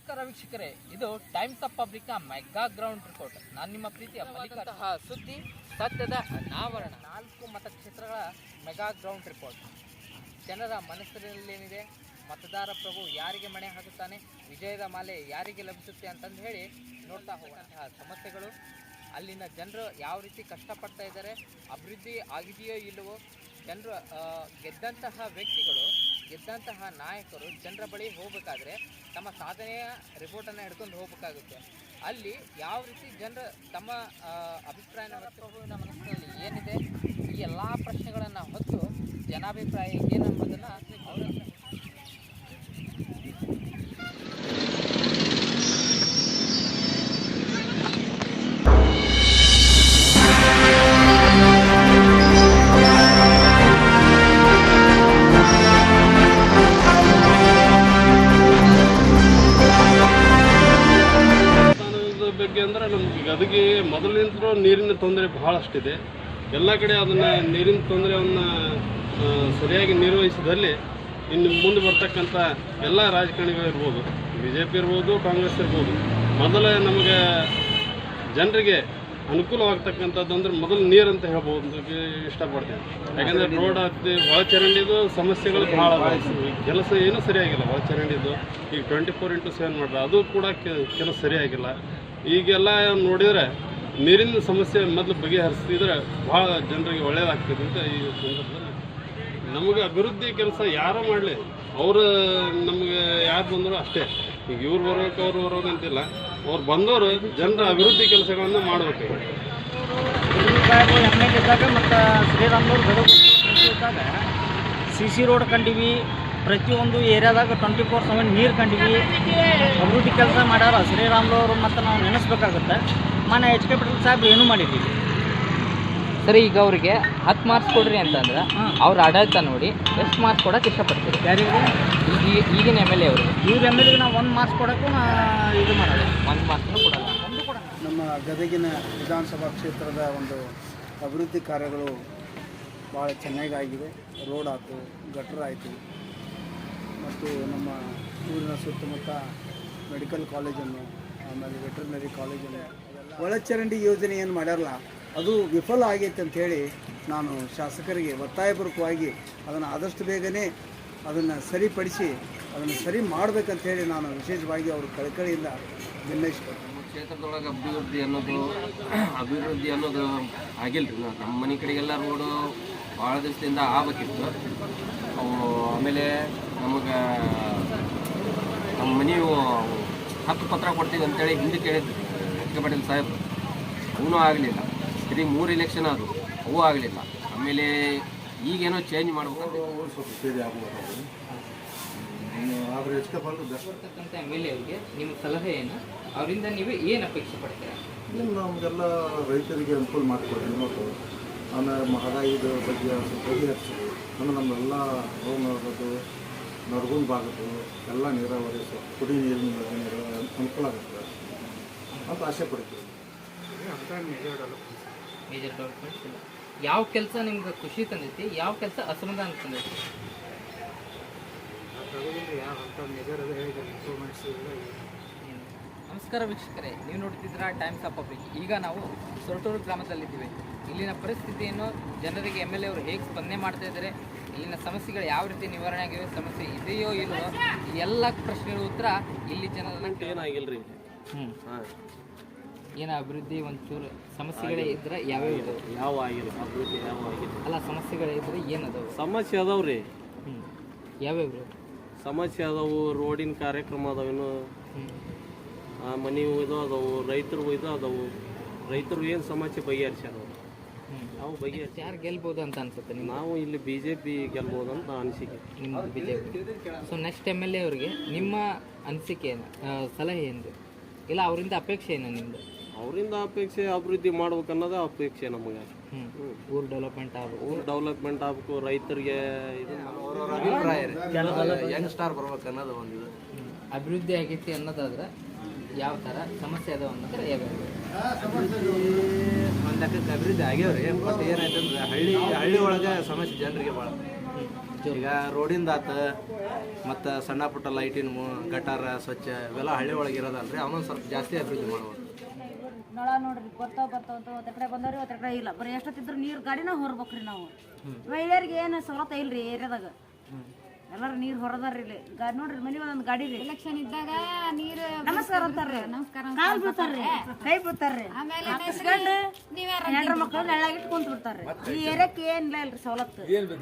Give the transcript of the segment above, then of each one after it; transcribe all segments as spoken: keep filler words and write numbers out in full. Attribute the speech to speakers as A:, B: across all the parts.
A: ನಮಸ್ಕಾರ ವೀಕ್ಷಕರೇ, ಇದು ಟೈಮ್ಸ್ ಆಫ್ ಪಬ್ಲಿಕ್ನ ಮೆಗಾ ಗ್ರೌಂಡ್ ರಿಪೋರ್ಟ್. ನಾನು ನಿಮ್ಮ ಪ್ರೀತಿಯ ಮಲ್ಲಿಕಾರ್ಜುನ. ಸುದ್ದಿ ಸತ್ಯದ ಅನಾವರಣ. ನಾಲ್ಕು ಮತಕ್ಷೇತ್ರಗಳ ಮೆಗಾ ಗ್ರೌಂಡ್ ರಿಪೋರ್ಟ್. ಜನರ ಮನಸ್ಸಿನಲ್ಲೇನಿದೆ, ಮತದಾರ ಪ್ರಭು ಯಾರಿಗೆ ಮಣೆ ಹಾಕುತ್ತಾನೆ, ವಿಜಯದ ಮಾಲೆ ಯಾರಿಗೆ ಲಭಿಸುತ್ತೆ ಅಂತಂದು ಹೇಳಿ ನೋಡ್ತಾ ಹೋಗುವಂತಹ ಸಮಸ್ಯೆಗಳು, ಅಲ್ಲಿನ ಜನರು ಯಾವ ರೀತಿ ಕಷ್ಟಪಡ್ತಾ ಇದ್ದಾರೆ, ಅಭಿವೃದ್ಧಿ ಆಗಿದೆಯೋ ಇಲ್ಲವೋ, ಜನರು ಗೆದ್ದಂತಹ ವ್ಯಕ್ತಿಗಳು, ಗೆದ್ದಂತಹ ನಾಯಕರು ಜನರ ಬಳಿ ಹೋಗಬೇಕಾದ್ರೆ ತಮ್ಮ ಸಾಧನೆಯ ರಿಪೋರ್ಟನ್ನು ಹಿಡ್ಕೊಂಡು ಹೋಗಬೇಕಾಗುತ್ತೆ. ಅಲ್ಲಿ ಯಾವ ರೀತಿ ಜನರು ತಮ್ಮ ಅಭಿಪ್ರಾಯನ ವ್ಯಕ್ತಪಡಿಸುವ ಮನಸ್ಸಿನಲ್ಲಿ ಏನಿದೆ, ಈ ಎಲ್ಲ ಪ್ರಶ್ನೆಗಳನ್ನು ಹೊತ್ತು ಜನಾಭಿಪ್ರಾಯ ಏನನ್ನೋದನ್ನು ಅವರ
B: ಬಗ್ಗೆ ಅಂದರೆ ನಮ್ಗೆ ಗದಗಿಗೆ ಮೊದಲಿನಿಂದಲೂ ನೀರಿನ ತೊಂದರೆ ಬಹಳಷ್ಟಿದೆ. ಎಲ್ಲ ಕಡೆ ಅದನ್ನು ನೀರಿನ ತೊಂದರೆಯನ್ನು ಸರಿಯಾಗಿ ನಿರ್ವಹಿಸಿದಲ್ಲಿ ಇನ್ನು ಮುಂದೆ ಬರ್ತಕ್ಕಂಥ ಎಲ್ಲ ರಾಜಕಾರಣಿಗಳು ಇರ್ಬೋದು, ಬಿ ಜೆ ಪಿ ಇರ್ಬೋದು, ಕಾಂಗ್ರೆಸ್ ಇರ್ಬೋದು, ಮೊದಲೇ ನಮಗೆ ಜನರಿಗೆ ಅನುಕೂಲವಾಗ್ತಕ್ಕಂಥದ್ದು ಅಂದರೆ ಮೊದಲು ನೀರು ಅಂತ ಹೇಳ್ಬೋದು ಇಷ್ಟಪಡ್ತೀನಿ. ಯಾಕಂದರೆ ರೋಡ್ ಆಗ್ತಿ ಒಳಚರಂಡಿದು ಸಮಸ್ಯೆಗಳು ಭಾಳ ಕೆಲಸ ಏನೂ ಸರಿಯಾಗಿಲ್ಲ. ಒಳಚರಂಡಿದು ಈಗ ಟ್ವೆಂಟಿ ಫೋರ್ ಇಂಟು ಸೆವೆನ್ ಮಾಡ್ರೆ ಅದು ಕೂಡ ಕೆಲಸ ಸರಿಯಾಗಿಲ್ಲ. ಈಗೆಲ್ಲ ನೋಡಿದರೆ ನೀರಿನ ಸಮಸ್ಯೆ ಮೊದಲು ಬಗೆಹರಿಸಿದ್ರೆ ಭಾಳ ಜನರಿಗೆ ಒಳ್ಳೆಯದಾಗ್ತದೆ ಅಂತ ಈ ಸಂದರ್ಭದಲ್ಲಿ ನಮಗೆ ಅಭಿವೃದ್ಧಿ ಕೆಲಸ ಯಾರು ಮಾಡಲಿ, ಅವರು ನಮಗೆ ಯಾರು ಬಂದರೂ ಅಷ್ಟೇ. ಈಗ ಇವ್ರು ಬರ್ಬೇಕು ಅವ್ರು ಬರೋದು ಅಂತಿಲ್ಲ, ಅವ್ರು ಬಂದವರು ಜನರ ಅಭಿವೃದ್ಧಿ ಕೆಲಸಗಳನ್ನು ಮಾಡಬೇಕು.
C: ಎಮ್ ಎಲ್ ಇದ್ದಾಗ ಮತ್ತು ಶ್ರೀರಾಮ್ನವ್ರು ಗದಗ ಇದ್ದಾಗ ಸಿ ಸಿ ರೋಡ್ ಕಂಡಿವಿ, ಪ್ರತಿಯೊಂದು ಏರಿಯಾದಾಗ ಟ್ವೆಂಟಿ ಫೋರ್ ಸೆವೆನ್ ನೀರು ಕಂಡಿವಿ, ಅಭಿವೃದ್ಧಿ ಕೆಲಸ ಮಾಡ್ಯಾರ ಶ್ರೀರಾಮ್ಲವರು. ಮತ್ತು ನಾವು ನೆನೆಸ್ಬೇಕಾಗುತ್ತೆ, ಮನೆ ಎಚ್ ಕೆ ಪಟೇಲ್ ಸಾಹೇಬ್ರು ಏನೂ ಮಾಡಿದ್ದೀವಿ.
A: ಸರಿ, ಈಗ ಅವ್ರಿಗೆ ಹತ್ತು ಮಾರ್ಕ್ಸ್ ಕೊಡ್ರಿ ಅಂತಂದ್ರೆ ಅವ್ರ ಆಡಳಿತ ನೋಡಿ ಎಷ್ಟು ಮಾರ್ಕ್ಸ್ ಕೊಡೋಕೆ ಇಷ್ಟಪಡ್ತೀರಿ?
C: ಯಾರಿಗೆ?
A: ಈಗ ಈಗಿನ ಎಮ್ ಎಲ್ ಎ ಅವರು.
C: ಇವ್ರ ಎಮ್ ಎಲ್ ಎಗೆ ನಾವು ಒಂದು ಮಾರ್ಕ್ಸ್ ಕೊಡೋಕ್ಕೂ ನಾ ಇದು ಮಾಡೋದು,
A: ಒಂದು ಮಾರ್ಕ್ಸ್ನೂ ಕೊಡೋಲ್ಲ, ಒಂದು ಕೊಡೋಣ.
D: ನಮ್ಮ ಗದಗಿನ ವಿಧಾನಸಭಾ ಕ್ಷೇತ್ರದ ಒಂದು ಅಭಿವೃದ್ಧಿ ಕಾರ್ಯಗಳು ಭಾಳ ಚೆನ್ನಾಗಾಗಿವೆ. ರೋಡ್ ಆಯಿತು, ಗಟ್ರ ಆಯಿತು, ಮತ್ತು ನಮ್ಮ ಊರಿನ ಸುತ್ತಮುತ್ತ ಮೆಡಿಕಲ್ ಕಾಲೇಜನ್ನು, ಆಮೇಲೆ ವೆಟರ್ನರಿ ಕಾಲೇಜನ್ನು, ಒಳಚರಂಡಿ ಯೋಜನೆ ಏನು ಮಾಡ್ಯಾರಲ್ಲ ಅದು ವಿಫಲ ಆಗೈತೆ ಅಂಥೇಳಿ ನಾನು ಶಾಸಕರಿಗೆ ಒತ್ತಾಯಪೂರ್ವಕವಾಗಿ ಅದನ್ನು ಆದಷ್ಟು ಬೇಗನೆ ಅದನ್ನು ಸರಿಪಡಿಸಿ ಅದನ್ನು ಸರಿ ಮಾಡಬೇಕಂತೇಳಿ ನಾನು ವಿಶೇಷವಾಗಿ ಅವರು ಕಳಕಳಿಯಿಂದ ನಿರ್ಣಯಿಸ್ಕೊಳ್ತೀನಿ.
E: ಕ್ಷೇತ್ರದೊಳಗೆ ಅಭಿವೃದ್ಧಿ ಅನ್ನೋದು ಅಭಿವೃದ್ಧಿ ಅನ್ನೋದು ಆಗಿಲ್ಲ ರೀ. ನಮ್ಮ ಮನೆ ಕಡೆಗೆಲ್ಲ ರೋಡು ಭಾಳ ದಿವಸದಿಂದ ಆಗಬೇಕಿತ್ತು. ಅವು ಆಮೇಲೆ ನಮಗೆ ನಮ್ಮ ಮನೆಯು ಹಕ್ಕು ಪತ್ರ ಕೊಡ್ತೀವಿ ಅಂತೇಳಿ ಹಿಂದೆ ಕೇಳಿದ್ವಿ ಎಚ್ ಕೆ ಪಾಟೀಲ್ ಸಾಹೇಬರು, ಅವೂ ಆಗಲಿಲ್ಲ. ಸರಿ, ಮೂರು ಎಲೆಕ್ಷನ್ ಅದು, ಅವು ಆಗಲಿಲ್ಲ. ಆಮೇಲೆ ಈಗೇನೋ ಚೇಂಜ್ ಮಾಡ್ಬೇಕಂತ
A: ಬರ್ತಕ್ಕಂಥ ಎಮ್ ಎಲ್ ಎ ಅವರಿಗೆ ನಿಮ್ಮ ಸಲಹೆ ಏನು? ಅವರಿಂದ ನೀವು ಏನು ಅಪೇಕ್ಷೆ ಪಡ್ತೀರಾ?
F: ನಮಗೆಲ್ಲ ರೈತರಿಗೆ ಅನುಕೂಲ ಮಾಡಿಕೊಡ್ರಿ ಮತ್ತು ಆಮೇಲೆ ಮಹದಾಯಿದ ಬಗ್ಗೆ ಬಗೆಹರಿಸಿ ಅಂದರೆ ನಮ್ಮೆಲ್ಲ ರೋಗದು ನರಗುಂದ ಭಾಗದ್ದು ಎಲ್ಲ ನೀರಾವರಿ ಕುಡಿ ನೀರಿನ ನೀರು ಅನುಕೂಲ ಆಗುತ್ತೆ ಅಂತ ಆಸೆ ಪಡ್ತೀವಿ.
A: ಮೇಜರ್ ಡೆವಲಪ್ಮೆಂಟ್ಸ್ ಇಲ್ಲ. ಯಾವ ಕೆಲಸ ನಿಮ್ಗೆ ಖುಷಿ ತಂದೈತಿ, ಯಾವ ಕೆಲಸ ಅಸಮಾಧಾನ ತಂದೈತಿ? ನಮಸ್ಕಾರ ವೀಕ್ಷಕರೇ, ನೀವು ನೋಡ್ತಿದ್ದೀರಾ ಟೈಮ್ಸ್ ಆಫ್ ಪಬ್ಲಿಕ್. ಈಗ ನಾವು ಸೊರಟೂರು ಗ್ರಾಮದಲ್ಲಿದ್ದೀವಿ. ಇಲ್ಲಿನ ಪರಿಸ್ಥಿತಿಯನ್ನು ಜನರಿಗೆ ಎಮ್ ಎಲ್ ಎ ಅವರು ಹೇಗೆ ಸ್ಪಂದನೆ ಮಾಡ್ತಾ ಇದ್ದಾರೆ, ಇಲ್ಲಿನ ಸಮಸ್ಯೆಗಳು ಯಾವ ರೀತಿ ನಿವಾರಣೆ ಆಗಿವೆ, ಸಮಸ್ಯೆ ಇದೆಯೋ ಇಲ್ಲವೋ, ಎಲ್ಲ ಪ್ರಶ್ನೆಗಳ ಉತ್ತರ ಇಲ್ಲಿ ಜನರನ್ನ
B: ಏನಾಗಿಲ್ಲ ರೀ.
A: ಹ್ಞೂ ಹಾಂ ಏನು ಅಭಿವೃದ್ಧಿ ಒಂಚೂರು ಸಮಸ್ಯೆಗಳೇ ಇದ್ರೆ ಯಾವ್ಯಾವ ಇದಾವೆ?
B: ಯಾವ ಆಗಿಲ್ಲ ಅಭಿವೃದ್ಧಿ, ಯಾವ ಆಗಿಲ್ಲ.
A: ಅಲ್ಲ, ಸಮಸ್ಯೆಗಳೇ ಇದ್ರೆ ಏನದಾವೆ?
B: ಸಮಸ್ಯೆ ಅದಾವೆ ರೀ.
A: ಹ್ಞೂ ಯಾವ್ಯಾವ
B: ಸಮಸ್ಯೆ ಅದಾವು? ರೋಡಿನ ಕಾರ್ಯಕ್ರಮ ಅದಾವೇನು, ಮನೆ ಇದು ಅದಾವು, ರೈತರು ಇದು ಅದಾವು. ರೈತರು ಏನು ಸಮಸ್ಯೆ ಬಗೆಹರಿಸ್ಯಾರ ನಾವು ಬಗೆಹರಿಸಿ
A: ಯಾರು ಗೆಲ್ಬೋದು ಅಂತ ಅನ್ಸುತ್ತೆ ನಿಮ್ಗೆ?
B: ನಾವು ಇಲ್ಲಿ ಬಿ ಜೆ ಪಿ ಗೆಲ್ಬೋದು ಅಂತ ಅನಿಸಿಕೆ.
A: ನಿಮ್ಮ B J P. So next M L A ಅವ್ರಿಗೆ ನಿಮ್ಮ ಅನಿಸಿಕೆ ಏನು, ಸಲಹೆ ಏನು, ಇಲ್ಲ ಅವರಿಂದ ಅಪೇಕ್ಷೆ ಏನು ನಿಮ್ಮದು?
B: ಅವರಿಂದ ಅಪೇಕ್ಷೆ ಅಭಿವೃದ್ಧಿ ಮಾಡ್ಬೇಕು ಅನ್ನೋದೇ ಅಪೇಕ್ಷೆ ನಮಗೆ.
A: ಹ್ಞೂ ಊರು ಡೆವಲಪ್ಮೆಂಟ್ ಆಗಬೇಕು,
B: ಊರು ಡೆವಲಪ್ಮೆಂಟ್ ಆಗಬೇಕು, ರೈತರಿಗೆ ಇದು
E: ಅಭಿಪ್ರಾಯ ಯಂಗ್ ಸ್ಟಾರ್ ಬರ್ಬೇಕು ಅನ್ನೋದು ಒಂದು
A: ಅಭಿವೃದ್ಧಿ ಆಗೈತಿ ಅನ್ನೋದಾದ್ರೆ ಯಾವ ಥರ ಸಮಸ್ಯೆ ಅದಾವ ಅನ್ನೋದ್ರೆ ಯಾವ್ಯಾವ?
E: ಒಂದು ಲೆಕ್ಕಕ್ಕೆ ಅಭಿವೃದ್ಧಿ ಆಗ್ಯಾವ್ರಿ. ಬಟ್ ಏನಾಯ್ತು ಅಂದ್ರೆ ಹಳ್ಳಿ ಹಳ್ಳಿ ಒಳಗೆ ಸಮಸ್ಯೆ ಜನರಿಗೆ ಭಾಳ
G: ಈಗ ರೋಡಿಂದ ಆತ ಮತ್ತು ಸಣ್ಣ ಪುಟ್ಟ ಲೈಟಿನ ಮು ಗಟಾರ ಸ್ವಚ್ಛ ಇವೆಲ್ಲ ಹಳ್ಳಿ ಒಳಗೆ ಇರೋದಲ್ರಿ ಅವನೊಂದು ಸ್ವಲ್ಪ ಜಾಸ್ತಿ ಅಭಿವೃದ್ಧಿ ಮಾಡ್ಬೋದು.
H: ನಳ ನೋಡ್ರಿ ಬರ್ತಾವ ಬರ್ತಾವ ಒಂದ್ರ ಕಡೆ ಬಂದವ್ರಿ ಒಂದ್ರ ಕಡೆ ಇಲ್ಲ, ಬರೀ ಎಷ್ಟೊತ್ತಿದ್ರು ನೀರು ಗಾಡಿನ ಹೊರ್ಬೇಕ್ರಿ ನಾವು. ಮಹಿಳೆಯರಿಗೆ ಏನು ಸವಲತ್ತು ಇಲ್ರಿ ಏರಿಯಾದಾಗ, ಎಲ್ಲರೂ ನೀರು ಹೊರದಾರ್ರಿ ಇಲ್ಲಿ. ಗಾಡಿ ನೋಡ್ರಿ ಮನೆ ಒಂದೊಂದು ಗಾಡಿ ರೀ.
I: ಎಲೆಕ್ಷನ್ ಇದ್ದಾಗ ನೀರು
H: ನಮಸ್ಕಾರ ಅಂತಾರ್ರಿ,
I: ನಮಸ್ಕಾರ
H: ಕಾಲ್ ಬೀಳ್ತಾರ್ರಿ, ಕೈ ಬೀಳ್ತಾರ್ರಿ,
I: ಆಮೇಲೆ
H: ಹಾಕಿಸ್ಕೊಂಡು ಹೆಣ್ರ ಮಕ್ಕಳು ನೆಳ್ಳಾಗಿಟ್ಟು ಕುಂತ ಬಿಡ್ತಾರ್ರಿ. ಈ ಏರಿಯಾಕ್ಕೆ ಏನಿಲ್ಲ ಇಲ್ರಿ ಸವಲತ್ತು.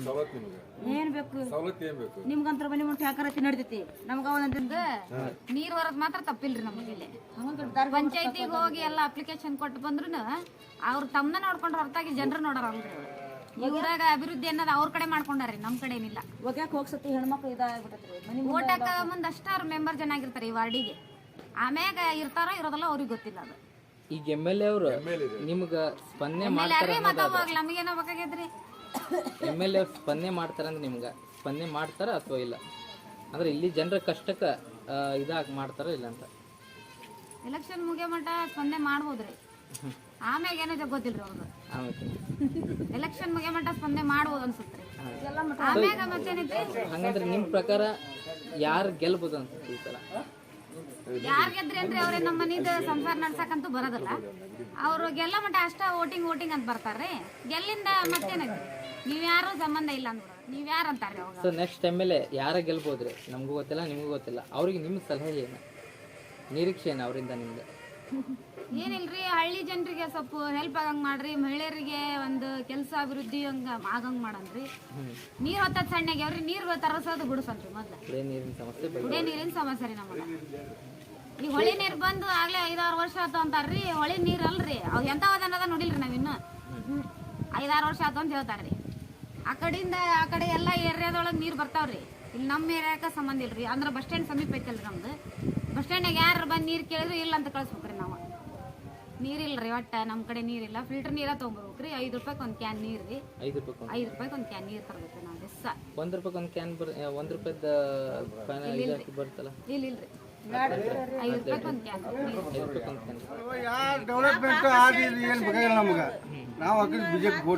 H: ಏನ್ ಬೇಕು ನಿಮ್ಗಂತ್ರ ಮನೆ ಮುಂದೆ ಹಾಕರತಿ ನಡಿತೈತಿ, ನಮ್ಗ ಒಂದೊಂದಿಂದ
I: ನೀರ್ ಹೊರದ್ ಮಾತ್ರ ತಪ್ಪಿಲ್ರಿ ನಮಗಿಲ್ಲಿ. ಪಂಚಾಯತಿಗೆ ಹೋಗಿ ಎಲ್ಲ ಅಪ್ಲಿಕೇಶನ್ ಕೊಟ್ಟು ಬಂದ್ರು ಅವ್ರು ತಮ್ಮನ ನೋಡ್ಕೊಂಡ್ರ ಹೊರತಾಗಿ ಜನರು ನೋಡಾರಲ್ರಿ. ಊರಾಗ ಅಭಿವೃದ್ಧಿ ಅನ್ನೋದು ಅವ್ರ ಕಡೆ ಮಾಡ್ಕೊಂಡಾರಿ, ನಮ್ ಕಡೆ ಏನಿಲ್ಲ.
H: ಒಗ್ಯಾಕ ಹೋಗ್ಸತಿ ಹೆಣ್ಮಕ್ಳು ಇದಾಗ್ಬಿಟ್ಟತ್ರಿ. ಮನೆ
I: ಓಟ್ ಹಾಕ ಮುಂದ್ ಅಷ್ಟ ಅವ್ರ ಮೆಂಬರ್ ಜನ ಆಗಿರ್ತಾರೆ ಈ ವಾರ್ಡಿಗೆ. ಆಮ್ಯಾಗ ಇರ್ತಾರ ಇರೋದಲ್ಲ ಅವ್ರಿಗೆ ಗೊತ್ತಿಲ್ಲ ಅದು.
A: ಈಗ ಎಮ್ ಎಲ್ ಎ ಅವರು ನಿಮ್ಗೆ ಸ್ಪಂದನೆ ಮಾಡ್ತಾರೆ,
I: ನಮಗೇನೋ ಬೇಕಾಗೈತ್ರಿ.
A: ಎಮ್ ಎಲ್ ಎ ಸ್ಪಂದನೆ ಮಾಡ್ತಾರೆ ಅಂದ್ರೆ ನಿಮ್ಗೆ ಸ್ಪಂದನೆ ಮಾಡ್ತಾರ ಅಥವಾ ಇಲ್ಲ ಅಂದ್ರೆ ಇಲ್ಲಿ ಜನರ ಕಷ್ಟಕ್ಕೆ ಇದಾಗಿ ಮಾಡ್ತಾರ ಇಲ್ಲ ಅಂತ?
I: ಎಲೆಕ್ಷನ್ ಮುಗಿಯೋ ಮಟ್ಟ ಸ್ಪಂದನೆ ಮಾಡ್ಬೋದ್ರಿ, ಆಮ್ಯಾಗ ಏನೋ ಗೊತ್ತಿಲ್ರಿ ಅವ್ರದ್ದು. ಎಲೆಕ್ಷನ್ ಮುಗಿಯೋ ಮಟ್ಟ ಸ್ಪಂದನೆ ಮಾಡ್ಬೋದು ಅನ್ಸುತ್ರಿ. ಆಮ್ಯಾಗ ಮತ್ತೇನೈತಿ
A: ಹಂಗಂದ್ರೆ ನಿಮ್ ಪ್ರಕಾರ ಯಾರು ಗೆಲ್ಬೋದು ಅನ್ಸುತ್ತೆ ಈ ಸಲ?
I: ಯಾರ್ ಗೆದ್ರಿ ಅಂದ್ರೆ ಅವ್ರೆ ನಮ್ಮ ಮನಿದ ಸಂಸಾರ ನಡ್ಸಕಂತೂ ಬರೋದಿಲ್ಲ. ಅವ್ರು ಗೆಲ್ಲ ಮಟ್ಟ ಅಷ್ಟ ವೋಟಿಂಗ್ ವೋಟಿಂಗ್ ಅಂತ ಬರ್ತಾರ್ರಿ. ಗೆಲ್ಲಿಂದ ಮತ್ತೇನೈತಿ ನೀವ್ ಯಾರು ಸಂಬಂಧ ಇಲ್ಲ ಅಂದ್ಬಿಡ, ನೀವ್ ಯಾರು ಅಂತಾರ್ರಿ ಅವಾಗ.
A: So next M L A ಯಾರ ಗೆಲ್ಬೋದ್ರಿ? ನಮಗೂ ಗೊತ್ತಿಲ್ಲ, ನಿಮಗೂ ಗೊತ್ತಿಲ್ಲ. ಅವ್ರಿಗೆ ನಿಮ್ಮ ಸಲಹೆ ಏನು, ನಿರೀಕ್ಷೆ ಏನು ಅವರಿಂದ ನಿಮ್ಗೆ?
I: ಏನಿಲ್ರಿ, ಹಳ್ಳಿ ಜನರಿಗೆ ಸ್ವಲ್ಪ ಹೆಲ್ಪ್ ಆಗಂಗ್ ಮಾಡ್ರಿ, ಮಹಿಳೆಯರಿಗೆ ಒಂದು ಕೆಲಸ ಅಭಿವೃದ್ಧಿ ಹಂಗ ಆಗಂಗ್ ಮಾಡನ್ರಿ. ನೀರ್ ಹೊತ್ತದ್ ಸಣ್ಣಗೆ ಅವ್ರಿ ನೀರ್ ತರಸೋದು ಬಿಡಿಸನ್ರಿ ಮೊದ್ಲ.
A: ಕುಡಿಯ ನೀರಿನ ಸಮಸ್ಯೆ
I: ಕುಡಿಯ ನೀರಿನ ಸಮಸ್ಯೆ ರೀ ನಮಗ. ಈ ಹೊಳಿ ನೀರ್ ಬಂದು ಆಗ್ಲೇ ಐದಾರು ವರ್ಷ ಆತು ಅಂತಾರ್ರಿ. ಹೊಳಿ ನೀರ್ ಅಲ್ರಿ, ಅವ್ ಎಂತ ಅನ್ನೋದ ನೋಡಿಲ್ರಿ ನಾವಿನ್ನು. ಐದಾರು ವರ್ಷ ಆತು ಅಂತ ಹೇಳ್ತಾರ್ರಿ. ಆ ಕಡೆಯಿಂದ ಆ ಕಡೆ ಎಲ್ಲಾ ಏರಿಯಾದೊಳಗೆ ನೀರ್ ಬರ್ತಾವ್ರಿ. ಇಲ್ಲಿ ನಮ್ಮ ಏರಿಯಾಕ ಸಂಬಂಧ ಇಲ್ರಿ. ಅಂದ್ರೆ ಬಸ್ ಸ್ಟ್ಯಾಂಡ್ ಸಮೀಪ ಐತಲ್ರಿ ನಮ್ದು. ಬಸ್ ಸ್ಟ್ಯಾಂಡ್ನಾಗ ಯಾರು ಬಂದು ನೀರ್ ಕೇಳಿದ್ರು ಇಲ್ಲ ಅಂತ ಕಳ್ಸ್ಬೇಕ್ರಿ ನಾವು. ನೀರಿಲ್ರಿ ಒಟ್ಟ ನಮ್ಮ ಕಡೆ ನೀರಿಲ್ಲ. ಫಿಲ್ಟರ್ ನೀರ ತೊಗೊಂಬರ್ಬೇಕ್ರಿ. ಐದು ರೂಪಾಯಿ ಒಂದು ಕ್ಯಾನ್ ನೀರ್ ರೀ. ಐದು ರೂಪಾಯಿ ಐದು ರೂಪಾಯಿ ಒಂದು ಕ್ಯಾನ್ ನೀರ್ ತರ್ಬೇಕ್ರಿ ನಾವು ದಿವಸ.
A: ಒಂದ್ ರೂಪಾಯಿ ಒಂದು ಕ್ಯಾನ್ ಬರ್ ಒಂದ್ ರೂಪಾಯಿದ ಬರ್ತಲ್ಲ?
I: ಇಲ್ಲ ಇಲ್ರಿ, ಐದು ರೂಪಾಯಿ ಒಂದು ಕ್ಯಾನ್.
D: ಡೆವಲಪ್ಮೆಂಟ್ ಆಗಿಲ್ಲ, ಏನು ಬೇಕಾಗಿಲ್ಲ ನಮ್ಗೆ. ನಾವು ಹಾಕಿದ್ ಬಿಜೆಪಿ ವೋಟ್.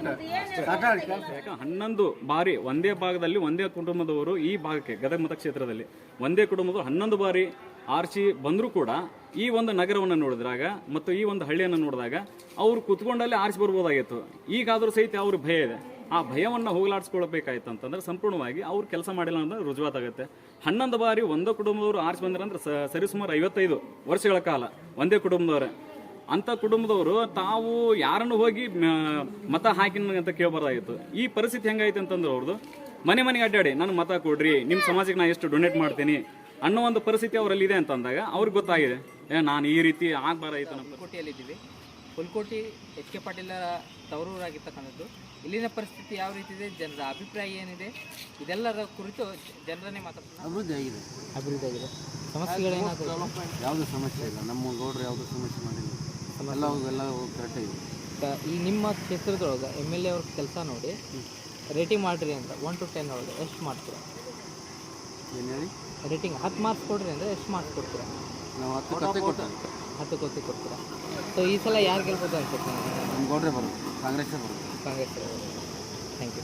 J: ಹನ್ನೊಂದು ಬಾರಿ ಒಂದೇ ಭಾಗದಲ್ಲಿ ಒಂದೇ ಕುಟುಂಬದವರು ಈ ಭಾಗಕ್ಕೆ ಗದಗ ಮತಕ್ಷೇತ್ರದಲ್ಲಿ ಒಂದೇ ಕುಟುಂಬದವರು ಹನ್ನೊಂದು ಬಾರಿ ಆರ್ಸಿ ಬಂದರೂ ಕೂಡ ಈ ಒಂದು ನಗರವನ್ನು ನೋಡಿದಾಗ ಮತ್ತು ಈ ಒಂದು ಹಳ್ಳಿಯನ್ನು ನೋಡಿದಾಗ ಅವರು ಕುತ್ಕೊಂಡಲ್ಲೇ ಆರಿಸಿ ಬರ್ಬೋದಾಗಿತ್ತು. ಈಗಾದರೂ ಸಹಿತ ಅವ್ರ ಭಯ ಇದೆ. ಆ ಭಯವನ್ನು ಹೋಗಲಾಡಿಸ್ಕೊಳ್ಬೇಕಾಯ್ತು ಅಂತಂದ್ರೆ ಸಂಪೂರ್ಣವಾಗಿ ಅವ್ರು ಕೆಲಸ ಮಾಡಿಲ್ಲ ಅಂದ್ರೆ ರುಜುವಾತಾಗುತ್ತೆ. ಹನ್ನೊಂದು ಬಾರಿ ಒಂದೇ ಕುಟುಂಬದವರು ಆರಿಸಿ ಬಂದ್ರಂದ್ರೆ ಸರಿಸುಮಾರು ಐವತ್ತೈದು ವರ್ಷಗಳ ಕಾಲ ಒಂದೇ ಕುಟುಂಬದವರೇ. ಅಂಥ ಕುಟುಂಬದವರು ತಾವು ಯಾರನ್ನು ಹೋಗಿ ಮತ ಹಾಕಿನ ಅಂತ ಕೇಳಬಾರ್ದಾಗಿತ್ತು. ಈ ಪರಿಸ್ಥಿತಿ ಹೆಂಗಾಯ್ತು ಅಂತಂದ್ರೆ ಅವ್ರದ್ದು ಮನೆ ಮನೆಗೆ ಅಡ್ಡಾಡಿ ನಾನು ಮತ ಕೊಡ್ರಿ, ನಿಮ್ಮ ಸಮಾಜಕ್ಕೆ ನಾನು ಎಷ್ಟು ಡೊನೇಟ್ ಮಾಡ್ತೀನಿ ಅನ್ನೋ ಒಂದು ಪರಿಸ್ಥಿತಿ ಅವರಲ್ಲಿ ಇದೆ ಅಂತಂದಾಗ ಅವ್ರಿಗೆ ಗೊತ್ತಾಗಿದೆ ಏ ನಾನು ಈ ರೀತಿ ಆಗಬಾರ್ದಾಯ್ತು. ನಮ್ಮ
A: ಹುಲ್ಕೋಟೆಯಲ್ಲಿದ್ದೀವಿ. ಹುಲ್ಕೋಟೆ ಎಚ್ ಕೆ ಪಾಟೀಲ ತವರೂರಾಗಿರ್ತಕ್ಕಂಥದ್ದು. ಇಲ್ಲಿನ ಪರಿಸ್ಥಿತಿ ಯಾವ ರೀತಿ ಇದೆ, ಜನರ ಅಭಿಪ್ರಾಯ ಏನಿದೆ, ಇದೆಲ್ಲರ ಕುರಿತು ಜನರನ್ನೇ ಮಾತಾಡ್ತಾರೆ.
G: ಅಭಿವೃದ್ಧಿ ಆಗಿದೆ,
A: ಅಭಿವೃದ್ಧಿ ಆಗಿದೆ. ಸಮಸ್ಯೆಗಳೇನಾದರೂ?
G: ಯಾವುದೂ ಸಮಸ್ಯೆ ಇಲ್ಲ. ನಮ್ಮ ಗೌಡ್ರು ಯಾವುದೂ ಸಮಸ್ಯೆ ಮಾಡಿಲ್ಲ, ಎಲ್ಲ ಎಲ್ಲ ಕರೆಕ್ಟ್ ಆಗಿದೆ.
A: ಈ ನಿಮ್ಮ ಕ್ಷೇತ್ರದೊಳಗೆ ಎಮ್ ಎಲ್ ಎ ಅವ್ರ ಕೆಲಸ ನೋಡಿ ರೇಟಿಂಗ್ ಮಾಡಿರಿ ಅಂತ ಒನ್ ಟು ಟೆನ್ ಒಳಗೆ ಎಷ್ಟು ಮಾಡ್ತೀರಾ?
G: ಏನು ಹೇಳಿ?
A: ರೇಟಿಂಗ್ ಹತ್ತು ಮಾರ್ಕ್ಸ್ ಕೊಡ್ರಿ ಅಂದರೆ ಎಷ್ಟು ಮಾರ್ಕ್ಸ್ ಕೊಡ್ತೀರಾ?
G: ನಾವು ಹತ್ತು ಕತ್ತೆ ಕೊಡ್ತೀವಿ.
A: ಹತ್ತು ಕೊತ್ತಿ ಕೊಡ್ತೀರಾ? ಸೊ ಈ ಸಲ ಯಾರು ಗೆಲ್ಬೋದು ಅನ್ಸುತ್ತೆ?
G: ನಮ್ಮ ಗೌಡ್ರೆ ಬರೋದು, ಕಾಂಗ್ರೆಸ್ಸೇ ಬರೋದು.
A: ಕಾಂಗ್ರೆಸ್. Thank you.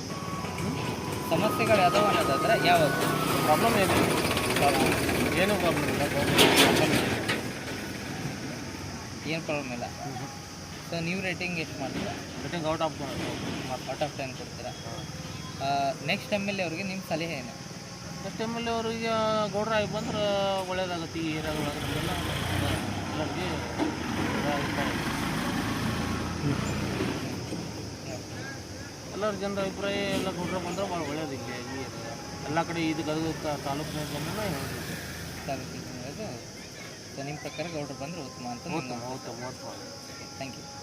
A: ಸಮಸ್ಯೆಗಳು ಯಾವ್ದಾವ ಅನ್ನೋದಾದ್ರೆ ಯಾವುದು
B: ಪ್ರಾಬ್ಲಮ್ ಏನು ಏನು ಪ್ರಾಬ್ಲಮ್ ಇಲ್ಲ.
A: ಏನು ಪ್ರಾಬ್ಲಮ್ ಇಲ್ಲ. ಸೊ ನೀವು ರೇಟಿಂಗ್ ಎಷ್ಟು ಮಾಡ್ತೀರಾ?
B: Rating out of
A: out of ten ಕೊಡ್ತೀರಾ? ನೆಕ್ಸ್ಟ್ ಎಮ್ ಎಲ್ ಎ ಅವ್ರಿಗೆ ನಿಮ್ಮ ಸಲಹೆ ಏನು?
B: ನೆಕ್ಸ್ಟ್ ಎಮ್ ಎಲ್ ಎ ಅವರಿಗೆ ಗೌಡ್ರ ಆಗಿ ಬಂದ್ರೆ ಒಳ್ಳೇದಾಗುತ್ತೆ. ಈ ಏರಿಯಾದೊಳಗೆ ನಮಗೆಲ್ಲ ಎಲ್ಲರಿಗೆ ಎಲ್ಲರ ಜನರ ಅಭಿಪ್ರಾಯ ಎಲ್ಲ ಗೌಡ್ರ ಬಂದ್ರೆ ಭಾಳ ಒಳ್ಳೇದು. ಇಲ್ಲಿ ಈ ಎಲ್ಲ ಕಡೆ ಇದು ಗದಗ ತಾಲೂಕಿನ ಜನನೇ ಹೇಳಬೇಕು.
A: ತಾಲೂಕಿನ ಸೊ ನಿಮ್ಮ ಪ್ರಕಾರ ಗೌಡ್ರು ಬಂದರೆ ಉತ್ತಮ ಅಂತ.
B: ಉತ್ತಮ ಉತ್ತಮ ಉತ್ತಮ.
A: Thank you.